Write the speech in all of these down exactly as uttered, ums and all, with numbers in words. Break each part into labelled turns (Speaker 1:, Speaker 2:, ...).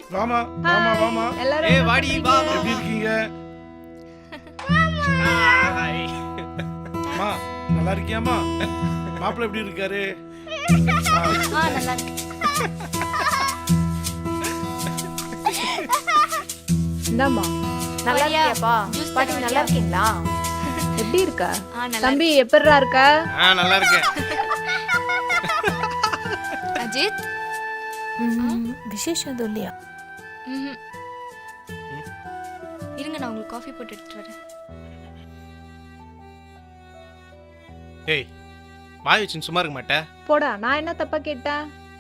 Speaker 1: வாமா வாமா வாமா.
Speaker 2: எல்லாரும்
Speaker 3: ஏய்
Speaker 2: என்ன
Speaker 3: வாடி
Speaker 2: பண்றீங்க?
Speaker 3: வா வா.
Speaker 1: எப்படி இருக்கீங்க?
Speaker 3: ஹாய்.
Speaker 1: மா நல்லா இருக்கியாமா? மாப்பிள்ளை எப்படி இருக்காரு? ஆ,
Speaker 4: ஆ நல்லா இருக்கு.
Speaker 2: இந்தாம்மா.
Speaker 5: நல்லா
Speaker 4: ஐயா,
Speaker 5: இருக்கியாப்பா?
Speaker 4: juice
Speaker 5: பாட்டி
Speaker 4: தரேன்
Speaker 5: நல்லா
Speaker 4: ஐயா.
Speaker 5: இருக்கீங்களா?
Speaker 2: எப்படி இருக்கா?
Speaker 4: ஆ நல்லா
Speaker 2: தம்பி எப்படிரா இருக்க?
Speaker 3: ஆ நல்லா இருக்கேன்.
Speaker 4: இருக்கு. அஜித்
Speaker 5: ம், விசேஷம் எதுவும் இல்லையா?
Speaker 4: ம்ஹும். இருங்க நான் உங்களுக்கு காஃபி போட்டு எடுத்துட்டு வரேன்.
Speaker 3: ஏய் வாய் வச்சுன்னு சும்மா இருக்க மாட்டே.
Speaker 2: போடா, நான் என்ன தப்பா கேட்டேன்?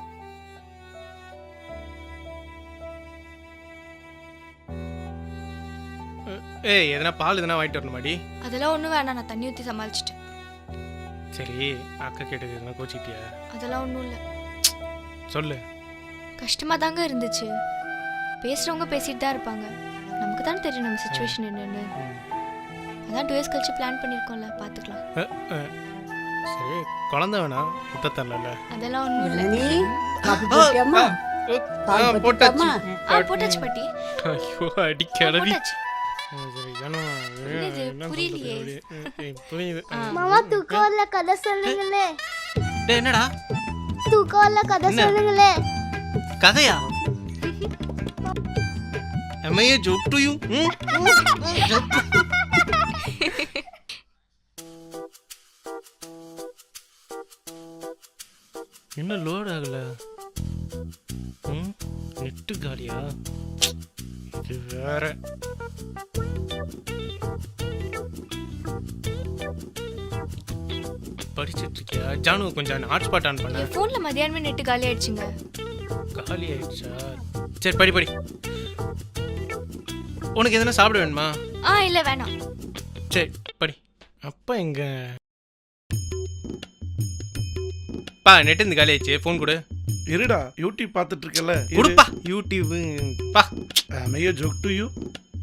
Speaker 3: ஏய் எதனா பால் எதனா வாங்கிட்டு வரணுமாடி?
Speaker 4: அதெல்லாம் ஒன்றும் வேணாம், நான் தண்ணி ஊற்றி சமாளிச்சிட்டேன்.
Speaker 3: சரி அக்கா கேட்டது எதனா கோச்சிட்டியா?
Speaker 4: அதெல்லாம் ஒன்றும் இல்லை.
Speaker 3: சொல்லு.
Speaker 4: கஷ்டமாக தாங்க இருந்துச்சு. பேசுகிறவங்க பேசிட்டு தான் இருப்பாங்க. நமக்கு தான் தெரியும் நம்ம சுச்சுவேஷன் என்னன்னு.
Speaker 3: ம்.
Speaker 4: அதான் டூ இயர்ஸ் கழிச்சு பிளான் பண்ணியிருக்கோம்ல, பார்த்துக்கலாம்.
Speaker 3: அ, அ. சரி குழந்தை வேணா விட்ட தரல.
Speaker 4: அதெல்லாம் ஒன்றும் இல்லை.
Speaker 6: ஜனனி, காபி போட்டியாம்மா? பால்
Speaker 3: போட்டாச்சு.
Speaker 4: ஆ போட்டாச்சு பாட்டி.
Speaker 3: ஐயோ அடி
Speaker 4: ஆ,
Speaker 3: கிளவி.
Speaker 4: போட்டாச்சு.
Speaker 3: சரி ஜனு,
Speaker 4: என்னது,
Speaker 3: என்ன
Speaker 4: புரியலையே.
Speaker 3: சொல்றது? ஏய், புரியுது.
Speaker 4: ஆ.
Speaker 7: மாமா தூக்கம் வரல, கதை சொல்லுங்களே.
Speaker 3: டேய் என்னடா
Speaker 7: தூக்கம் வரல, கதை
Speaker 3: என்ன?
Speaker 7: சொல்லுங்களே.
Speaker 3: கதையா? Am I a joke to you? Hmm? என்ன லோட் ஆகல? ம் நெட்டு காலியா? இது வேற. படிச்சிட்டு இருக்கியா? ஜானு கொஞ்சம் ஹாட்ஸ்பாட் ஆன் பண்ண.
Speaker 4: என் ஃபோனில் மதியானமே நெட்டு காலி ஆயிடுச்சுங்க.
Speaker 3: காலி ஆயிடுச்சா? சரி படி படி. உனக்கு எதனா சாப்பிட வேணுமா?
Speaker 4: ஆ இல்லை வேணாம்.
Speaker 3: சரி படி. அப்பா எங்க? பா நெட் இந்த காலி ஆயிடுச்சு. ஃபோன் கொடு.
Speaker 1: இருடா யூடியூப் பார்த்துட்டு இருக்கல.
Speaker 3: கொடுப்பா யூடியூப். பா
Speaker 1: மையோ ஜோக் டு யூ.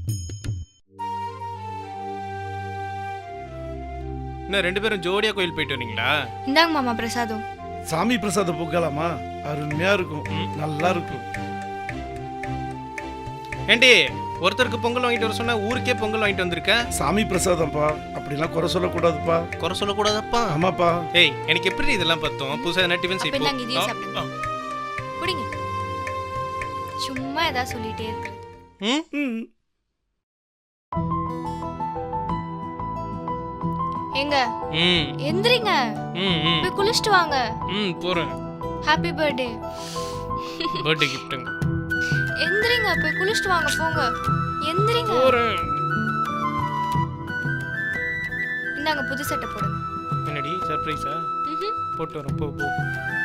Speaker 3: இன்னும் ரெண்டு பேரும் ஜோடியா கோயில் போயிட்டு வரீங்களா?
Speaker 4: இந்தாங்க மாமா பிரசாதம்.
Speaker 1: சாமி பிரசாதம் போக்கலாமா? அருமையா இருக்கும்,
Speaker 3: ம்.
Speaker 1: நல்லா இருக்கும்.
Speaker 3: ஏண்டி ஒருத்தருக்கு பொங்கல் வாங்கிட்டு வர சொன்னா ஊருக்கே பொங்கல் வாங்கிட்டு வந்திருக்கேன்.
Speaker 1: சாமி பிரசாதம்ப்பா, அப்படிலாம் குறை சொல்லக்கூடாதுப்பா.
Speaker 3: குறை சொல்லக்கூடாதப்பா.
Speaker 1: ஆமாப்பா.
Speaker 3: ஏய் எனக்கு எப்படி இதெல்லாம் பார்த்தோம்? புதுசா என்ன டிஃபன்
Speaker 4: அப்ப
Speaker 3: செய்ப்போம்.
Speaker 4: இந்தாங்க இதையும் சாப்பிடுங்க. குடிங்க. சும்மா ஏதாவது சொல்லிட்டே இருக்கு.
Speaker 3: ம்
Speaker 1: ம்.
Speaker 4: எங்க
Speaker 3: ம்
Speaker 4: எந்திரிங்க,
Speaker 3: ம் ம்
Speaker 4: போய் குளிச்சுட்டு வாங்க.
Speaker 3: ம் போறேன்.
Speaker 4: Happy birthday.
Speaker 3: பர்த்டே கிஃப்ட்டுங்க.
Speaker 4: எந்திரிங்க, போய் குளிச்சுட்டு வாங்க, போங்க. எந்திரிங்க.
Speaker 3: போறேன்.
Speaker 4: இந்தாங்க புது சட்டை போடுங்க.
Speaker 3: என்னடி சர்ப்ரைஸா?
Speaker 4: ம்ஹும்.
Speaker 3: போட்டு வரேன். போ போ.